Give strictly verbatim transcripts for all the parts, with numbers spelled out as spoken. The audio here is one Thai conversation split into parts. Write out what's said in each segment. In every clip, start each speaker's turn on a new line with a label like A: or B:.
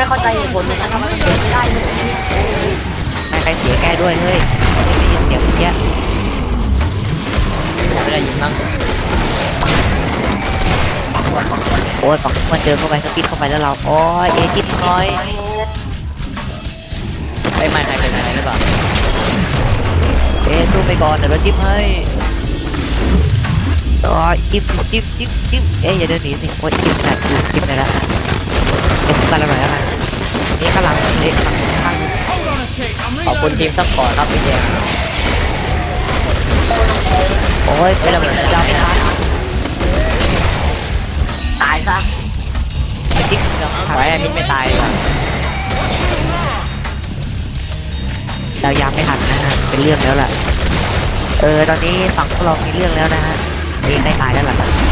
A: เข้าใจเหตุผลเหมือนกันทำไมมันเกิดไม่ได้เมื่อกี้
B: ไม่ใครเสียแก้ด้วยเฮ้ยไม่ได้ยินเสียงเมื่อกี้
C: ไม่ได้ยินมั้ง
B: โอ้ยฝั่งมันเจอเข้าไปสปิดเข้าไปแล้วเราโอ้ยเอจิตน้อย
C: ไอ้ไม่ใครเป็นอะไรหรือเปล่า
B: เอสู้ไปก่อนเดี๋ยวเราจิ้มให้โอ้ยจิ้มจิ้มจิ้มจิ้มเอ๊ยอย่าเดินหนีสิโอ้ยจิ้มแบบจิ้มเลยละเอ็มกันอะไรแล้วกันนี่ข้างหลังนี่ข้างข้าง
C: ขอบคุณทีมซัพพอร์ตครับพี่เจม
B: โอ้ยเป็นระเบิดดาวไม่ทัน
A: ตายซะ
B: จิ้ม
C: ไว้อันนี้ไม่ตายเลย
B: เรายามไม่ทันนะฮะเป็นเรื่องแล้วล่ะเออตอนนี้ฝั่งพวกเรามีเรื่องแล้วนะฮะมีใครตายแล้วล่ะ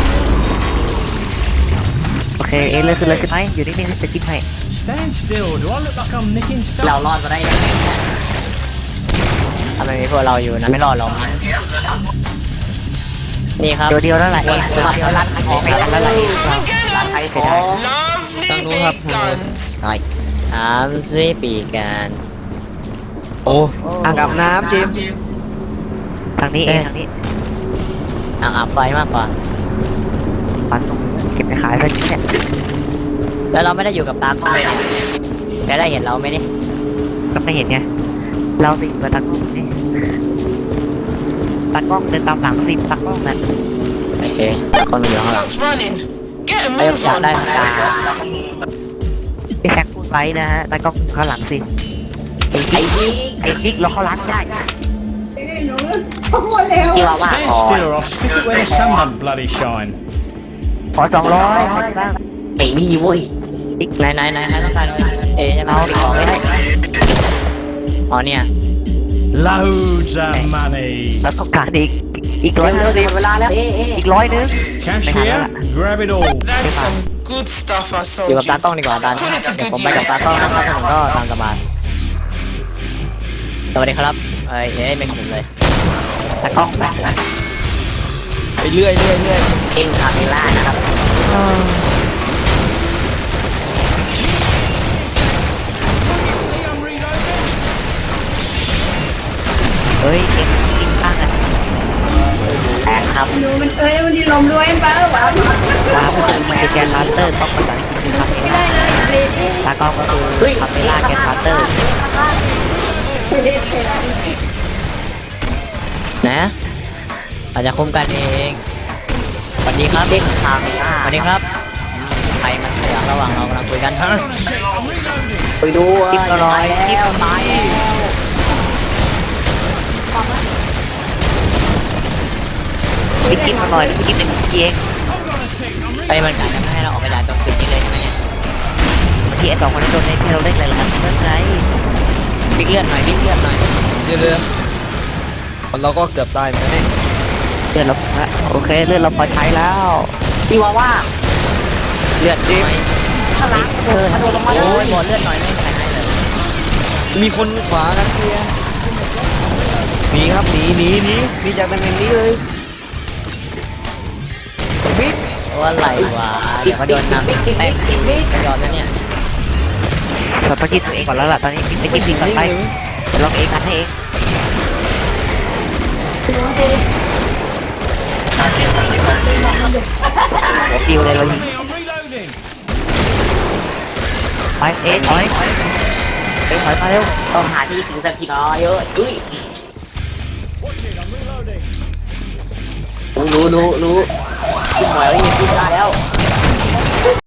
B: โอเคเอเลือกขึ้นเลยขึ้นไหมอยู่นิ่งๆจะจิ้มให้
A: เรารอดมาได้ยังไง
C: ทำไมมีพวกเราอยู่นะไม่รอดหรอกนี่ครับ
B: เดียวเดียวแล้วแหละเองเดียวร้านขายของแล้วแหละ
A: ร้านขายของ
C: ต้องรู้ครับใช่ถามซีปีกันโอ้อ่างอาบน้ำจิม
B: ทางนี้เองทางนี้
C: อ่างอาบไฟมากกว่า
B: ปันเก็บไปขายไปเนี่ย
C: แล้วเราไม่ได้อยู่กับตากล้องเลยจะได้เห็นเราไหมนี่
B: ก็ไม่เห็นไงเราสิกับตากล้องนี่ตากล้องเดินตามหลังสิตากล้องนั่น
C: โอเคคนมันอยู่ข้างหลังไอ้อยากได้ตา
B: พี่แซคพูดไว้นะฮะตากล้องข้างหลังสิไอ้ยิกไอ้ยิกเราเข้าร้านได้
A: ที่ว่าว่าขอ
B: ขอสองร้อย
A: ไม่มีเว้ย
C: ไหนไหนไหนไหนต้องการเอใช่ไหมเอาของไม่ได้อ๋อเนี่ย
D: loads of money
B: แล้วต้องการอีกอีกร้อยนึง
A: เวลาแล้ว
B: อีกร้อยนึง
D: cashier grab it all
E: that's some good stuff I saw
C: อยู่กับตากล้องดีกว่าตาเดี๋ยวผมไปกับตากล้องนะครับผมก็ตามสบายสวัสดีครับเอ้ยเอ้ยไม่ขุนเลย
B: ตากล้อง
C: ไปเรื่อยเรื่อยเรื่อย
A: เอ็มคาเมล่านะครับ
B: เฮ้ยเอ็งกินข้างอ่ะ
A: แอบครับ
F: ดูมันเอ้ยมันดีลมด้วยป้าหรือเปล่า
B: ว้าวจริงมันจะแกนลัสเตอร์ต้องภาษาอังกฤษคือคาเมล่าตากล้องก็คือคาเมล่าแกนลัสเตอร์
C: นะอาจจะคุมกันเองสวัสดีครับ
A: เด็กคาเมล่า
C: สวัสดีครับใครมันระหว่างเรากำลังคุยกัน
A: ไปดู
B: จิ้มอร่อยจิ้มไปไปกินมาหน่อยไปกินหนึ่งทีเอง
C: ไอ้มันกะจะไม่ให้เราออกไปด่าตรงจุดนี้เลยใช่ไหมเนี่ย
B: เมื่อกี้ไอ้สองคนนั้นโดนให้เราเล่นอะไรล่ะเล่นไร
C: บิ๊กเลือดหน่อยบิ๊กเลือดหน่อยเรือเรือเราก็เกือบตายเหมือนกันนี่
B: เลือดเราโอเคเลือดเราพอใช้แล้ว
A: ที่ว่าว่า
C: เลือดดิ
A: ข้างหลังเออโดนลงมาเลย
C: บอลเลือดหน่อยไม่ใช่เลยมีคนขวากันเพียหนีครับหนีหนีหนีหนีจากตำแหน่งนี้เลยบิ๊กว่าไหลวะเดี๋ยวมาโดนน้ำแป้งยอดแล้วเนี่ย
B: เราต้องกินตัวเองก่อนแล้วล่ะตอนนี้ไปกินทิ้งก่อนไปเดี๋ยวลองเองกันให้เองหัวปิวเลยเรายิงไปเอ็นถอยเอ็นถอยมาเร็ว
A: ต้องหาที่ถึงสักทีน้อยเยอะอุ้ยรู้รู้รู้ขึ้นหน่อยแล้วยิงขึ้นได้แล้ว